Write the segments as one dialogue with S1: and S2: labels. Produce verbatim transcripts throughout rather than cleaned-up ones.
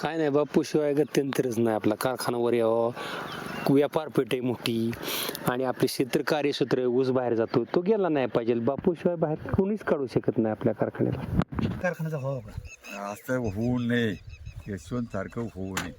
S1: काय नाही बापू शिवाय गत्यंतरच नाही. आपला कारखानावर यावं, व्यापार पेठ आहे मोठी आणि आपले क्षेत्र कार्यक्षेत्र ऊस बाहेर जातो, तो गेला नाही पाहिजे. बापू शिवाय बाहेर कोणीच काढू शकत नाही आपल्या कारखान्याला.
S2: कारखान्याचा व्हावा का?
S3: असं होऊ नये, यशवंत सारखं होऊ नये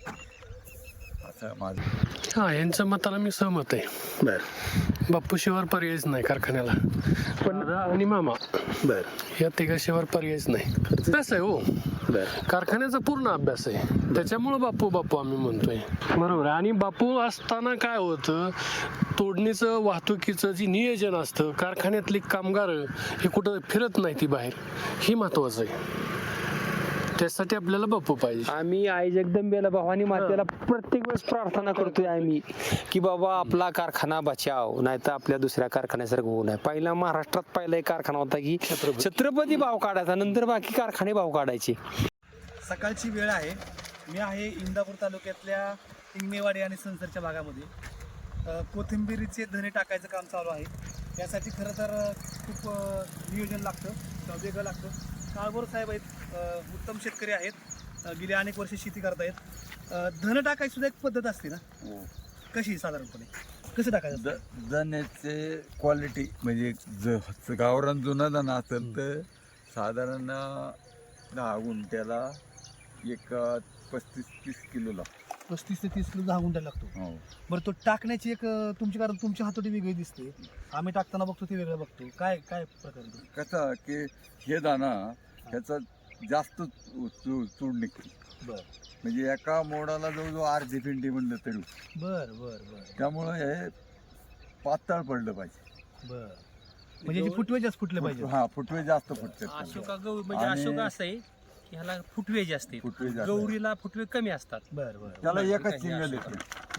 S3: असं माझं.
S4: हा, यांच्या मताला मी सहमत आहे.
S2: बर
S4: बाप्पूशिवाय पर्यायच नाही कारखान्याला. पण दादा आणि मामा
S2: बर
S4: या तिघाशिवाय पर्यायच नाही. अभ्यास आहे हो,
S2: बर
S4: कारखान्याचा पूर्ण अभ्यास आहे. त्याच्यामुळं बापू बापू आम्ही म्हणतोय. बरोबर आहे. आणि बापू असताना काय होतं, तोडणीचं वाहतुकीचं जे नियोजन असतं, कारखान्यातली कामगार हे कुठं फिरत नाही ती बाहेर, हे महत्वाचं आहे. त्यासाठी आपल्याला बापू पाहिजे.
S1: आम्ही आई जगदंबेला भवानी मातेला प्रत्येक वेळेस प्रार्थना करतोय आम्ही की बाबा आपला कारखाना बचाव, नाही तर आपल्या दुसऱ्या कारखान्यासारखं होऊ नये. पहिला महाराष्ट्रात पहिला एक कारखाना होता की छत्रपती भाव काढायचा, नंतर बाकी कारखाने भाव काढायचे.
S2: सकाळची वेळ आहे. मी आहे इंदापूर तालुक्यातल्या इंगमेवाडी आणि संसरच्या भागामध्ये. अ, कोथिंबिरीचे धने टाकायचं काम चालू आहे. यासाठी खरं तर अ, खूप अ, नियोजन लागतं, किंवा वेगळं लागतं. काळभोर साहेब आहेत, अ, उत्तम शेतकरी आहेत, अ, गेली अनेक वर्षे शेती करतायत. अ, धन टाकायची सुद्धा एक पद्धत असते ना, कशी साधारणपणे कसं टाकायचं?
S3: द दण्याचे क्वालिटी म्हणजे ज गावरान जुना दाणा असेल तर साधारण दहा गुंठ्याला एक पस्तीस तीस किलो लागतो.
S2: पस्तीस ते तीस किलो दहा गुंठा लागतो.
S3: हो.
S2: बरं, तो टाकण्याची एक अ, तुमची, कारण तुमची हातोटी वेगळी दिसते, आम्ही टाकताना बघतो ते वेगळं बघतो. काय काय प्रकार आहे तो?
S3: कसं की हे दाणा ह्याचा जास्त चू- चू- चूड निघते.
S2: बर
S3: म्हणजे एका मोडाला जवळजवळ अर्धी पिंडी म्हणलं तरी.
S2: बर बर बर
S3: त्यामुळं हे पातळ पडलं पाहिजे.
S2: बर म्हणजे जे फुटवे जास्त फुटले पाहिजे.
S3: हा, फुटवे जास्त फुटतात.
S5: अशोका गौ म्हणजे
S3: आणि-
S5: अशोका असं आहे की ह्याला फुटवे जे असते,
S3: फुटवे जास्त.
S5: गौरीला फुटवे कमी असतात.
S2: बर बर
S3: त्याला
S5: बरं,
S3: एकच
S5: ठीक
S3: सिंगल
S5: आहे,
S3: येते.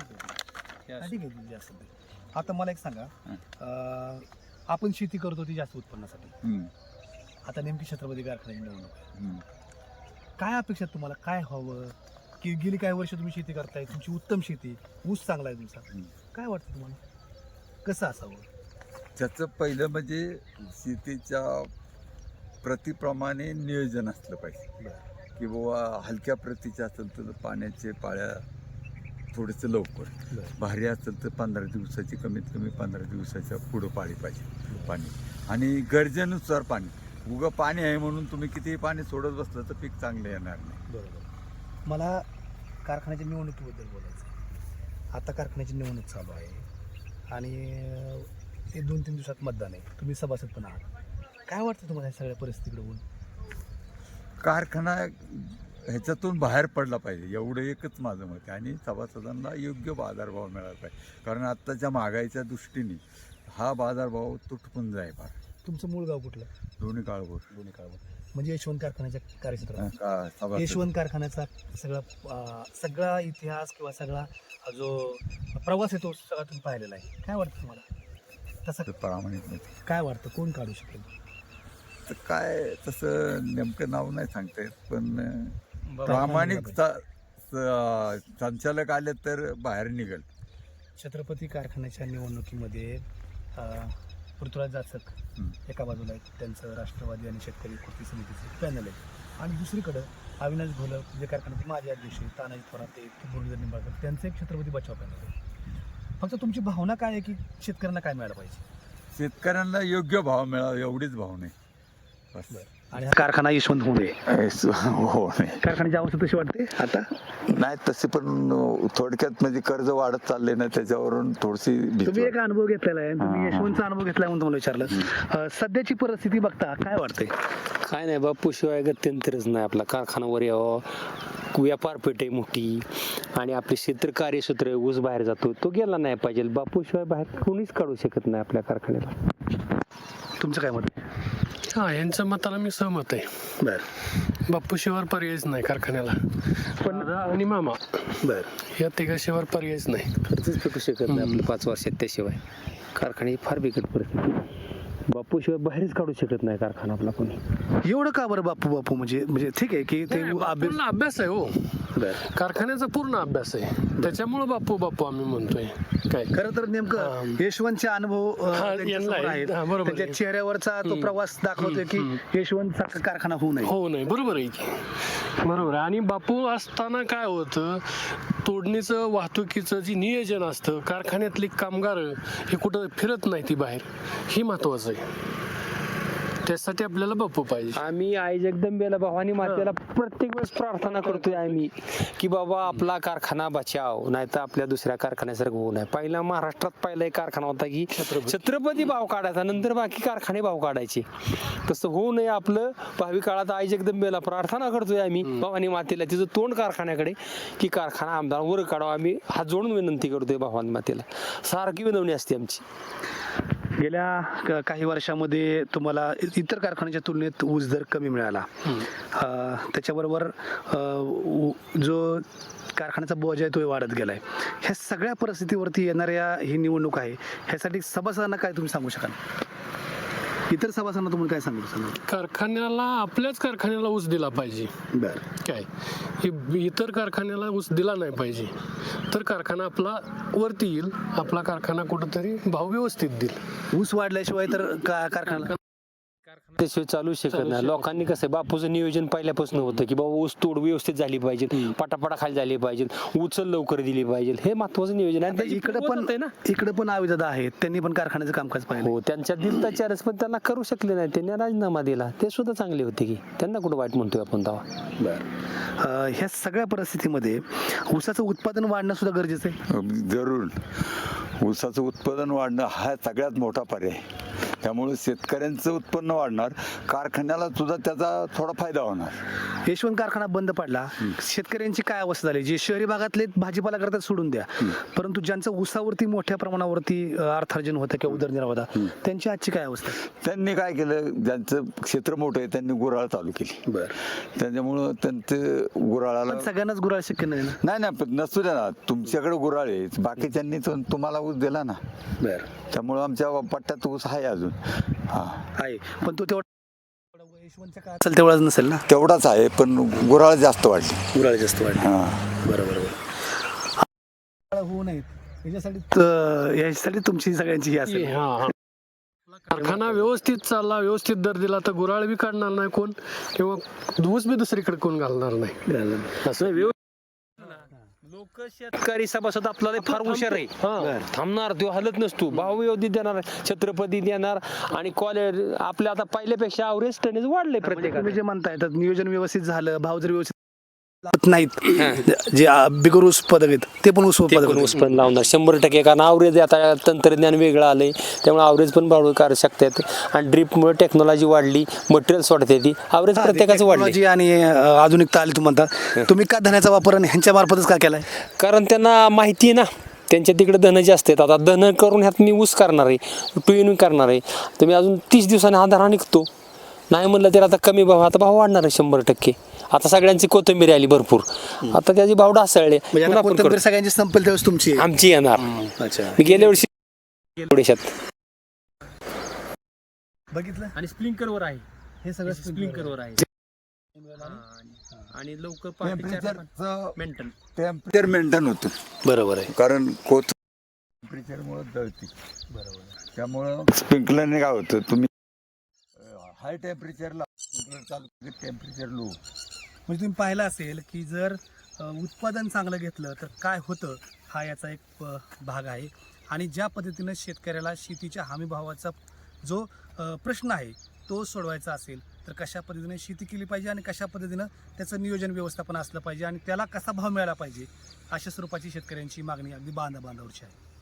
S2: हा, ठीक आहे, जास्त ते. आता मला एक सांगा, अं, आपण शेती करतो ती जास्त उत्पन्नासाठी.
S3: हम्म,
S2: आता नेमकी छत्रपती कारखान्याची निवडणूक आहे.
S3: हम्म.
S2: काय अपेक्षा आहे तुम्हाला, काय हवं? की गेली काही वर्ष तुम्ही शेती करताय, तुमची उत्तम शेती, ऊस चांगला आहे तुमचा,
S3: हम्म.
S2: काय वाटतं तुम्हाला कसं असावं?
S3: त्याचं पहिलं म्हणजे शेतीच्या प्रतिप्रमाणे नियोजन असलं पाहिजे. की बाबा हलक्या प्रतीचे असेल तर पाण्याचे पाळ्या थोडंसं लवकर,
S2: बरं.
S3: भारी असेल तर पंधरा दिवसाची कमीत कमी पंधरा दिवसाच्या पुढं पाळी पाहिजे पाणी. आणि गरजेनुसार पाणी. उगं पाणी आहे म्हणून तुम्ही कितीही पाणी सोडत बसलं तर पीक चांगलं येणार नाही.
S2: बरोबर. मला कारखान्याच्या निवडणुकीबद्दल बोलायचं आहे. आता कारखान्याची निवडणूक चालू आहे आणि अं, हे दोन तीन दिवसात मतदान आहे. तुम्ही सभासद पण आहात. काय वाटतं तुम्हाला या सगळ्या परिस्थितीकडे होऊन?
S3: कारखाना ह्याच्यातून बाहेर पडला पाहिजे, एवढं एकच माझं मत आहे. आणि सभासदांना योग्य बाजारभाव मिळाला पाहिजे. कारण आत्ताच्या महागाईच्या दृष्टीने हा बाजारभाव तुटपुंज आहे फार.
S2: तुमचं मूळ गाव कुठलं?
S3: दोन्ही काळभोर.
S2: दोन्ही काळभोर. म्हणजे यशवंत कारखान्याच्या कार्यक्षेत्रात
S3: का सभासद
S2: यशवंत कारखान्याचा सगळा अं, सगळा इतिहास किंवा सगळा जो प्रवास आहे तो सगळा तुम्ही पाहिलेला आहे. काय वाटतं तुम्हाला तसं?
S3: प्रामाणिक नाही.
S2: काय वाटतं कोण काढू शकेल?
S3: तर काय तसं नेमकं नाव नाही सांगता येत, पण
S5: बरोबर.
S3: प्रामाणिक चा- स- संचालक आले तर बाहेर निघेल.
S2: छत्रपती कारखान्याच्या निवडणुकीमध्ये अं, पृथ्वीराज जाचक
S3: हं.
S2: एका बाजूला आहेत, त्यांचं राष्ट्रवादी आणि शेतकरी कृती समितीचं पॅनल आहे, आणि दुसरीकडं अविनाश घोलप जे कारखान्याचे माजी अध्यक्ष आहेत, तानाजी थोरात आहेत, मुरलीधर निंबाळकर, त्यांचं एक छत्रपती बचाव पॅनल आहे. फक्त तुमची भावना काय आहे की शेतकऱ्यांना काय मिळालं पाहिजे?
S3: शेतकऱ्यांना योग्य भाव मिळावा एवढीच भावना आहे. बस.
S2: आणि कारखाना यशवंत होऊ नये,
S3: हो नाही
S2: कारखान्याची अवस्था तशी वाटते आता.
S3: नाही तसे पण थोडक्यात म्हणजे कर्ज वाढत चालले ना, त्याच्यावरून थोडीशी भीती
S2: तुम्ही एक
S3: वाटते.
S2: अनुभव घेतलेला आहे, तुम्ही
S3: हां,
S2: यशवंतचा अनुभव घेतलाय म्हणून तुम्हाला विचारलं. अं, सध्याची परिस्थिती बघता काय वाटतंय?
S1: काय नाही बापू शिवाय गत्यंतरच नाही. आपला कारखानावर यावं, व्यापार पेठ आहे मोठी आणि आपले क्षेत्र कार्यक्षेत्र ऊस बाहेर जातो, तो गेला नाही पाहिजे. बापू शिवाय बाहेर कोणीच काढू शकत नाही आपल्या कारखान्याला.
S2: तुमचं काय मत?
S4: हा, यांच्या मताला मी सहमत आहे.
S2: बर
S4: बाप्पूशिवाय पर्यायच नाही कारखान्याला. पण दादा आणि मामा
S2: बर
S4: या तिघाशिवाय पर्यायच नाही.
S1: खर्चच फेकू शकत नाही आपलं पाच वर्षात. त्याशिवाय कारखान्याची फार बिकट परिस्थिती. बापूशिवाय बाहेरच काढू शकत नाही कारखाना आपला कोणी.
S2: एवढं का बरं बापू बापू म्हणजे म्हणजे ठीक आहे की ते अभ्यास
S4: पूर्ण अभ्यास आहे हो,
S2: बरं.
S4: कारखान्याचा पूर्ण अभ्यास आहे, त्याच्यामुळे बापू बापू आम्ही म्हणतोय. काय
S2: खरं तर नेमकं
S4: हा.
S2: यशवंतचे अनुभव अ,
S4: हा,
S2: त्यांच्यासमोर
S4: यांना-
S2: आहेत.
S4: हा, बरोबर
S2: त्यांच्या
S4: आहे.
S2: चेहऱ्यावरचा तो प्रवास दाखवतोय की यशवंत कारखाना होऊ नये.
S4: हो नाही, बरोबर आहे की, बरोबर आहे. आणि बापू असताना काय होतं, तोडणीचं वाहतुकीचं जे नियोजन असतं, कारखान्यातली कामगार हे कुठं फिरत नाही ती बाहेर, ही महत्वाचं आहे. त्यासाठी आपल्याला बापू पाहिजे.
S1: आम्ही आई जगदंबेला भवानी मातेला प्रत्येक वेळेस प्रार्थना करतोय आम्ही की बाबा आपला कारखाना बचाव, नाही तर आपल्या दुसऱ्या कारखान्यासारखं होऊ नये. पहिला महाराष्ट्रात पहिला एक कारखाना होता की छत्रपती भाव काढायचा, नंतर बाकी कारखाने भाव काढायचे. तसं होऊ नये आपलं. भावी काळात आई जगदंबेला प्रार्थना करतोय आम्ही भवानी मातेला, तिचं तोंड कारखान्याकडे, की कारखाना आमदार वर काढावा. आम्ही हात जोडून विनंती करतोय भवानी मातेला, सारखी विनवणी असते आमची.
S2: गेल्या क- काही वर्षामध्ये तुम्हाला इतर कारखान्याच्या तुलनेत ऊस दर कमी मिळाला. अ, त्याच्याबरोबर अ, उ- जो कारखान्याचा बोजा आहे तो वाढत गेलाय. ह्या सगळ्या परिस्थितीवरती येणाऱ्या ही निवडणूक आहे, ह्यासाठी सभासदांना काय तुम्ही सांगू शकाल? इतर सभासदांना तुम्ही काय सांगू शकाल?
S4: कारखान्याला, आपल्याच कारखान्याला ऊस दिला पाहिजे.
S2: बरं.
S4: काय हे इतर कारखान्याला ऊस दिला नाही पाहिजे, तर कारखाना आपला वरती येईल, आपला कारखाना कुठंतरी भाव व्यवस्थित देईल.
S2: ऊस वाढल्याशिवाय तर का कारखाना
S1: त्याशिवाय चालू शकत नाही. लोकांनी कसं आहे, बापूचं नियोजन पहिल्यापासून होतं की बाबा ऊस तोड व्यवस्थित झाली पाहिजे, पटापटा खाली झाली पाहिजे, उचल लवकर दिली पाहिजे, हे महत्वाचं नियोजन आहे. त्याची
S2: इकडे पण
S1: पद्धत आहे ना.
S2: इकडे पण आविदादा आहेत, त्यांनी पण कारखान्याचं कामकाज पाहिलं.
S1: हो, त्यांच्या दिलता चारच, पण त्यांना करू शकले नाही, त्यांनी राजीनामा दिला. ते सुद्धा चांगले होते की, त्यांना कुठं वाईट म्हणतोय आपण तेव्हा.
S2: बरं. ह्या सगळ्या परिस्थितीमध्ये ऊसाचं उत्पादन वाढणं सुद्धा गरजेचं आहे.
S3: जरूर ऊसाचं उत्पादन वाढणं हा सगळ्यात मोठा पर्याय. त्यामुळे शेतकऱ्यांचं उत्पन्न वाढणार, कारखान्याला सुद्धा त्याचा थोडा फायदा होणार.
S2: यशवंत कारखाना बंद पडला, शेतकऱ्यांची काय अवस्था झाली? जे शहरी भागातले भाजीपाला करतात सोडून द्या, परंतु ज्यांचं ऊसावरती मोठ्या प्रमाणावरती अ, अर्थार्जन होतं किंवा उदरनिर्वाह होता, त्यांची आजची काय अवस्था आहे?
S3: त्यांनी काय केलं, ज्यांचं क्षेत्र मोठं आहे त्यांनी गुऱ्हाळ चालू केली.
S2: बरं.
S3: त्याच्यामुळं त्यांचं गुऱ्हाळाला
S2: पण सगळ्यांनाच गुराळ शक्य नाही ना.
S3: नाही ना, पण नसू द्या ना, तुमच्याकडे गुऱ्हाळ आहे, बाकीच्यांनी तो तुम्हाला ऊस दिला ना.
S2: बरं.
S3: त्यामुळं आमच्या पट्ट्यात ऊस आहे अजून. हा,
S2: आहे, पण तो तेवढा यशवंतच्या काळात असेल तेवढाच नसेल ना.
S3: तेवढाच आहे, पण गुऱ्हाळ जास्त वाढली.
S2: गुराळ जास्त वाढले.
S3: हा,
S2: बरोबर बरोबर. होऊ नयेत याच्यासाठी याच्यासाठी तुमची सगळ्यांची ही असेल.
S4: हा हा. कारखाना व्यवस्थित चालला, व्यवस्थित दर दिला, तर गुराळ बी काढणार नाही कोण, किंवा ऊस बी दुसरीकडे कोण घालणार नाही.
S1: असं लोक शेतकरी सभासद आपल्याला फार हुशार आहे.
S4: हा.
S1: थांबणार, तो हलत नसतो, भाव व्यवस्थित देणार, छत्रपती देणार, आणि कॉलेज आपल्या आता पहिल्यापेक्षा अवरेज टनेज वाढले प्रत्येकाने.
S2: तुम्ही जे म्हणताय तर नियोजन व्यवस्थित झालं, भाव जर व्यवस्थित लावत नाहीत, जे अ, बिगर ऊस उत्पादक आहेत ते पण ऊस
S1: ते
S2: उत्पादक
S1: पण
S2: आहेत.
S1: ऊस पण लावणार शंभर टक्के, कारण आवरेज आता तंत्रज्ञान वेगळं आलंय, त्यामुळे आवरेज पण वाढवू करू शकतात. आणि ड्रीपमुळे टेक्नॉलॉजी वाढली, मटेरियल वाढते, ती आवरेज प्रत्येकाचं वाढले.
S2: टेक्नॉलॉजी आणि अ, आधुनिकता आली तुम्ही म्हणता. तुम्ही का धन्याचा वापर आणि ह्यांच्या मार्फतच का केलाय?
S1: कारण त्यांना माहिती आहे ना, त्यांच्या तिकडे धन जास्त आहेत. आता धन करून ह्यात मी ऊस करणार आहे, टू इन करणार आहे, तर मी अजून तीस दिवसांनी हा धरा निघतो. नाही म्हणलं तर आता कमी भाव, आता भाव वाढणार आहे शंभर टक्के. आता सगळ्यांची कोथिंबीर आली भरपूर, आता त्याचे भाव ढासळले,
S2: म्हणजे आता
S1: पुन्हा आपण
S2: कोथिंबीर
S1: करू.
S2: सगळ्यांची संपेल त्यावेळेस तुमची आहे.
S1: आमची येणार.
S2: अच्छा,
S1: मी गेल्या वर्षी थोड्याशात
S2: बघितलं
S5: आणि स्प्रिंकलवर आहे,
S2: हे सगळं
S5: स्प्रिंकलवर आहे. हा, आणि- आणि लवकर पाच ते चार मेंटन
S3: टेम्परेचर मेंटेन होतं.
S2: बरोबर आहे.
S3: कारण कोथ टेम्परेचरमुळे जळती. बरोबर. त्यामुळं स्प्रिंकलरने काय होतं, तुम्ही हाय टेम्परेचरला स्प्रिंकलर चालू, टेम्परेचर लो.
S2: म्हणजे तुम्ही पाहिलं असेल की जर अ, उत्पादन चांगलं घेतलं तर काय होतं, हा याचा एक अ, भाग आहे. आणि ज्या पद्धतीनं शेतकऱ्याला शेतीच्या हमीभावाचा जो अ, प्रश्न आहे तो सोडवायचा असेल तर कशा पद्धतीने शेती केली पाहिजे आणि कशा पद्धतीनं त्याचं नियोजन व्यवस्थापन असलं पाहिजे आणि त्याला कसा भाव मिळाला पाहिजे, अशा स्वरूपाची शेतकऱ्यांची मागणी अगदी बांधा बांधावरची आहे.